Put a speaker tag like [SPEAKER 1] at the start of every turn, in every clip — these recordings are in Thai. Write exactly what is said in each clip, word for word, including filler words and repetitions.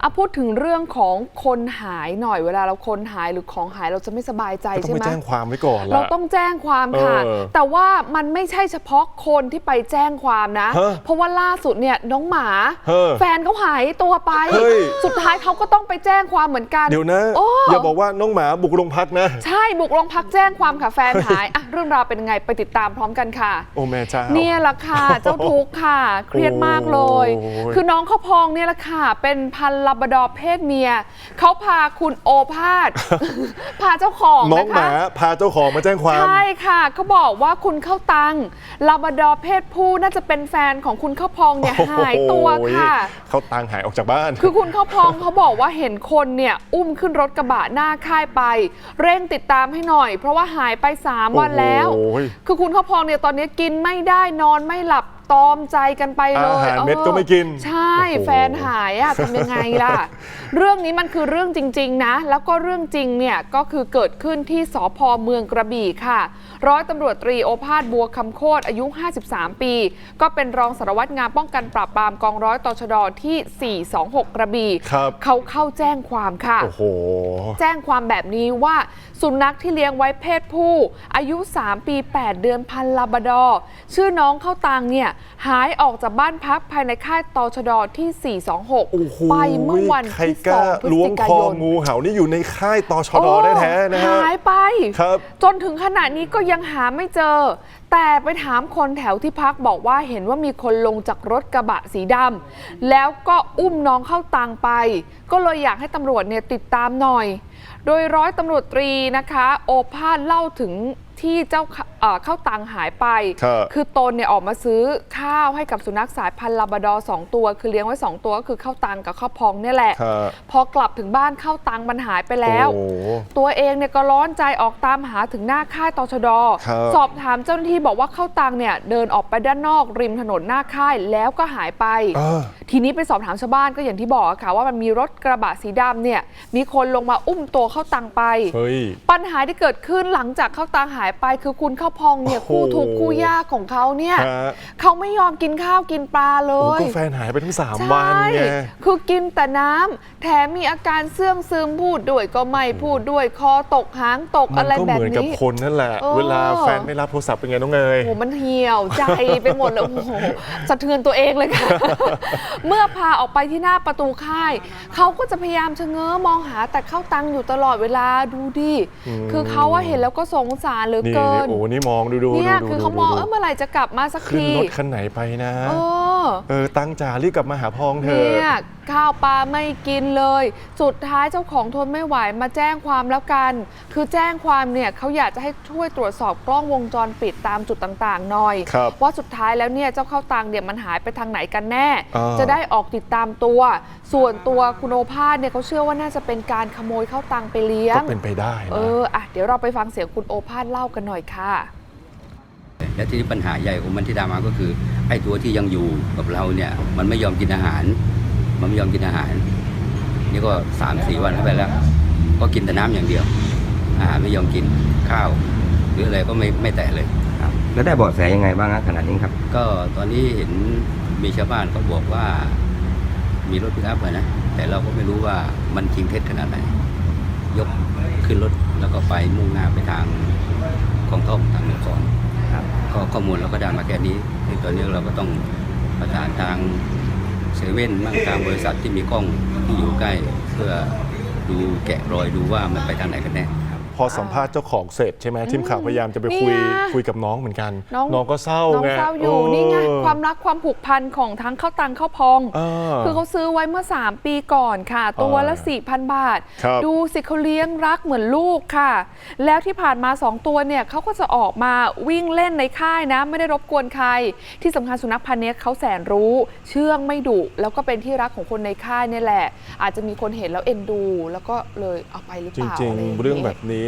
[SPEAKER 1] อ่ะพูดถึงเรื่องของคนหายหน่อยเวลาเราคนหายหรือของหายเราจะไม่สบายใจใช่ไหมต้องไป
[SPEAKER 2] แจ้งความไว้ก่อน
[SPEAKER 1] เราต้องแจ้งความค่ะแต่ว่ามันไม่ใช่เฉพาะคนที่ไปแจ้งความนะเพราะว่าล่าสุดเนี่ยน้องหมาแฟนเขาหายตัวไปสุดท้ายเขาก็ต้องไปแจ้งความเหมือนกัน
[SPEAKER 2] เดี๋ยวนะอย่าบอกว่าน้องหมาบุกโรงพักนะ
[SPEAKER 1] ใช่บุกโรงพักแจ้งความค่ะแฟนหายอ่ะเรื่องราวเป็นยังไงไปติดตามพร้อมกันค่ะ
[SPEAKER 2] โอ้แม่เจ้า
[SPEAKER 1] เนี่ยแหละค่ะเจ้าทุกข์ค่ะเครียดมากเลยคือน้องข้าวพองเนี่ยแหละค่ะเป็นพันธุ์ลาบราดอร์เพศเมียเขาพาคุณโอภาสพาเจ้าของ
[SPEAKER 2] น้องหมาพาเจ้าของมาแจ้งความ
[SPEAKER 1] ใช่ค่ะเขาบอกว่าคุณข้าวตังลาบราดอร์เพศผู้น่าจะเป็นแฟนของคุณข้าวพองเนี่ยหายตัวค่ะ
[SPEAKER 2] ข้าวตังหายออกจากบ้าน
[SPEAKER 1] คือคุณข้าวพองเขาบอกว่าเห็นคนเนี่ยอุ้มขึ้นรถกระบะหน้าค่ายไปเร่งติดตามให้หน่อยเพราะว่าหายไปสามวันแล้วคือคุณข้าวพองเนี่ยตอนนี้กินไม่ได้นอนไม่หลับตอมใจกันไปเลย
[SPEAKER 2] อาหารเม็ดก็ไม่กิน
[SPEAKER 1] ใช่แฟนหายอะทำยังไงล่ะเรื่องนี้มันคือเรื่องจริงๆนะแล้วก็เรื่องจริงเนี่ยก็คือเกิดขึ้นที่สภ.เมืองกระบี่ค่ะร้อยตำรวจตรีโอภาสบัวคำโคตรอายุห้าสิบสามปีก็เป็นรองสารวัตรงานป้องกันปราบปรามกองร้อยตชดที่สี่สองหกกระบี่เขาเข้าแจ้งความค่ะ
[SPEAKER 2] โอ้โห
[SPEAKER 1] แจ้งความแบบนี้ว่าสุนัขที่เลี้ยงไว้เพศผู้อายุสามปีแปดเดือนพันธุ์ลาบราดอร์ชื่อน้องข้าวตังเนี่ยหายออกจากบ้านพักภายในค่ายตชดที่สี่สองหกไปเมื่อวันที่สองพฤศจิกายน
[SPEAKER 2] งูเห่านี่อยู่ในค่ายตชดแท้ๆนะฮะ
[SPEAKER 1] หายไป
[SPEAKER 2] ครับ
[SPEAKER 1] จนถึงขณะนี้ก็ยังหาไม่เจอแต่ไปถามคนแถวที่พักบอกว่าเห็นว่ามีคนลงจากรถกระบะสีดำแล้วก็อุ้มน้องข้าวตังไปก็เลยอยากให้ตำรวจเนี่ยติดตามหน่อยโดยร้อยตำรวจตรีนะคะโอภาสเล่าถึงที่เจ้าข้าวตังหายไปคือตนเนี่ยออกมาซื้อข้าวให้กับสุนัขสายพันธุ์ลาบราดอร์สองตัวคือเลี้ยงไว้สองตัวก็คือข้าวตังกับข้าวพองเนี่ยแหละพอกลับถึงบ้านข้าวตังมันหายไปแล้วตัวเองเนี่ยก็ร้อนใจออกตามหาถึงหน้าค่ายตชดสอบถามเจ้าหน้าที่บอกว่าข้าวตังเนี่ยเดินออกไปด้านนอกริมถนนหน้าค่ายแล้วก็หายไปทีนี้ไปสอบถามชาวบ้านก็อย่างที่บอกค่ะว่ามันมีรถกระบะสีดำเนี่ยมีคนลงมาอุ้มตัวข้าวตังไปปัญหาที่เกิดขึ้นหลังจากข้าวตังหายไปคือคุณข้าวพองเนี่ยคู่ทุกข์คู่ยากของเขาเนี่ยเขาไม่ยอมกินข้าวกินปลาเลย
[SPEAKER 2] ก็แฟนหายไปทั้งสามวันไง
[SPEAKER 1] คือกินแต่น้ำแถมมีอาการเสื่องซึมพูดด้วยก็ไม่พูดด้วยคอตกหางตกอะไรแบบนี้
[SPEAKER 2] มันก็เหมือนกับคนนั่นแหละเวลาแฟนไม่รับโทรศัพท์เป็นไงน้องเนย
[SPEAKER 1] โอ้มันเหี่ยวใจไปหมดเลยโอ้โหสะเทือนตัวเองเลยค่ะเมื่อพาออกไปที่หน้าประตูค่ายเขาก็จะพยายามชะเง้อมองหาแต่ข้าวตังอยู่ตลอดเวลาดูดิคือเขาว่าเห็นแล้วก็สงสารเหลือเกิน
[SPEAKER 2] โอ้นี่มองดูดู
[SPEAKER 1] เนี่ยคือเขามองเออเมื่อไหร่จะกลับมาสักที
[SPEAKER 2] ขึ้นรถคันไหนไปนะเออเออตั้งจ่ารีบกลับมาหาพองเธอ
[SPEAKER 1] เนี่ยข้าวปลาไม่กินเลยสุดท้ายเจ้าของทนไม่ไหวมาแจ้งความแล้วกันคือแจ้งความเนี่ยเขาอยากจะให้ช่วยตรวจสอบกล้องวงจรปิดตามจุดต่างๆหน่อยว่าสุดท้ายแล้วเนี่ยเจ้าข้าวตังเนี่ยมันหายไปทางไหนกันแน่จะได้ออกติดตามตัวส่วนตัวคุณโอภาสเนี่ยเขาเชื่อว่าน่าจะเป็นการขโมยข้าวตังไปเลี้ยง
[SPEAKER 2] ก็เป็นไปได้นะ
[SPEAKER 1] เอออ่ะเดี๋ยวเราไปฟังเสียงคุณโอภาสเล่ากันหน่อยค่ะ
[SPEAKER 3] และที่ปัญหาใหญ่ของมันที่ตามมาก็คือไอ้ตัวที่ยังอยู่กับเราเนี่ยมันไม่ยอมกินอาหารมันไม่ยอมกินอาหารนี่ก็สามสี่วันเข้าไปแล้วก็กินแต่น้ำอย่างเดียวอาหารไม่ยอมกินข้าวหรืออะไรก็ไม่ไม่แตะเลย
[SPEAKER 4] ครับแล้วได้เบาะแสยังไงบ้างขนาดนี้ครับ
[SPEAKER 3] ก็ตอนนี้เห็นมีชาวบ้านเขาบอกว่ามีรถปิกอัพเลยนะแต่เราก็ไม่รู้ว่ามันจริงเท็จขนาดไหนยกขึ้นรถแล้วก็ไปมุ่งหน้าไปทางคลองท่อมทางนครก็ข้อมูลเราก็ได้มาแค่นี้ในตอนนี้เราก็ต้องประสานทางเซเว่นมั่งทางบริษัทที่มีกล้องที่อยู่ใกล้เพื่อดูแกะรอยดูว่ามันไปทางไหนกันแน่
[SPEAKER 2] พอสัมภาษณ์เจ้าของเสร็จใช่ไหมทีมข่าวพยายามจะไปคุยคุยกับน้องเหมือนกันน้องก็เศร้าไง
[SPEAKER 1] น้องเศร้าอยู่นี่ไงความรักความผูกพันของทั้งข้าวตังข้าวพองคือเขาซื้อไว้เมื่อสามปีก่อนค่ะตัวละ สี่พัน บาทดูสิเขาเลี้ยงรักเหมือนลูกค่ะแล้วที่ผ่านมาสองตัวเนี่ยเขาก็จะออกมาวิ่งเล่นในค่ายนะไม่ได้รบกวนใครที่สำคัญสุนัขพันธุ์นี้เขาแสนรู้เชื่องไม่ดุแล้วก็เป็นที่รักของคนในค่ายนี่แหละอาจจะมีคนเห็นแล้วเอ็นดูแล้วก็เลยเอาไปหรือเปล่า
[SPEAKER 2] จริงๆเรื่องแบบนี้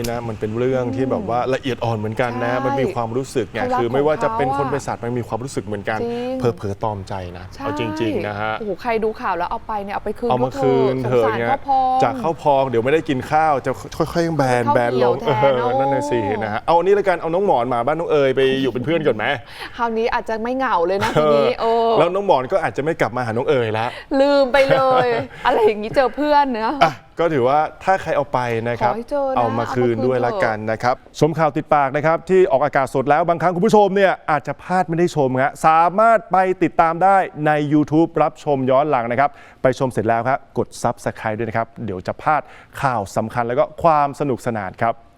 [SPEAKER 2] นะมันเป็นเรื่องที่แบบว่าละเอียดอ่อนเหมือนกันนะ
[SPEAKER 1] ใช่
[SPEAKER 2] มันมีความรู้สึกไง
[SPEAKER 1] เขารัก
[SPEAKER 2] คือไม่ว่าจะเป็น
[SPEAKER 1] ของ
[SPEAKER 2] ค
[SPEAKER 1] เขา
[SPEAKER 2] น
[SPEAKER 1] อะ
[SPEAKER 2] เป็นสัตว์มันมีความรู้สึกเหมือนกัน
[SPEAKER 1] จริง
[SPEAKER 2] เพอเพอๆตอมใจนะ
[SPEAKER 1] ใช่
[SPEAKER 2] เอาจริงๆนะฮะ
[SPEAKER 1] โอ้โหใครดูข่าวแล้วเอาไปเนี่ยเอาไปคืน
[SPEAKER 2] เอามาคืนเถอะ
[SPEAKER 1] สงสาร
[SPEAKER 2] เนี่ย
[SPEAKER 1] ข้าวพอง
[SPEAKER 2] จากข้าวพองเดี๋ยวไม่ได้กินข้าวจะค่อยๆแบน
[SPEAKER 1] ข้าว
[SPEAKER 2] แบนลง
[SPEAKER 1] เหี่ยวแทน
[SPEAKER 2] เออนั่นน่ะสินะฮะเอาอันนี้ละกันเอาน้องหมอนมาบ้านน้องเอ๋ยไปอยู่เป็นเพื่อนก่อนไหม
[SPEAKER 1] คราวนี้อาจจะไม่เหงาเลยนะทีนี้โอ้
[SPEAKER 2] แล้วน้องหมอนก็อาจจะไม่กลับมาหาน้องเอ๋ยแล้ว
[SPEAKER 1] ลืมไปเลย อะไรอย่างนี้เจอเพื่อนเนอะ
[SPEAKER 2] อ่ะก็ถือว่าถ้าใครเอาไปนะครับ
[SPEAKER 1] ขอให้เจอนะ
[SPEAKER 2] เอามาคืน
[SPEAKER 1] เอามาคืน
[SPEAKER 2] ด้วยละ
[SPEAKER 1] เถอะ
[SPEAKER 2] กันนะครับชมข่าวติดปากนะครับที่ออกอากาศสดแล้วบางครั้งคุณผู้ชมเนี่ยอาจจะพลาดไม่ได้ชมฮะสามารถไปติดตามได้ใน YouTube รับชมย้อนหลังนะครับไปชมเสร็จแล้วครับกด ซับสไครบ์ ด้วยนะครับเดี๋ยวจะพลาดข่าวสำคัญแล้วก็ความสนุกสนานครับ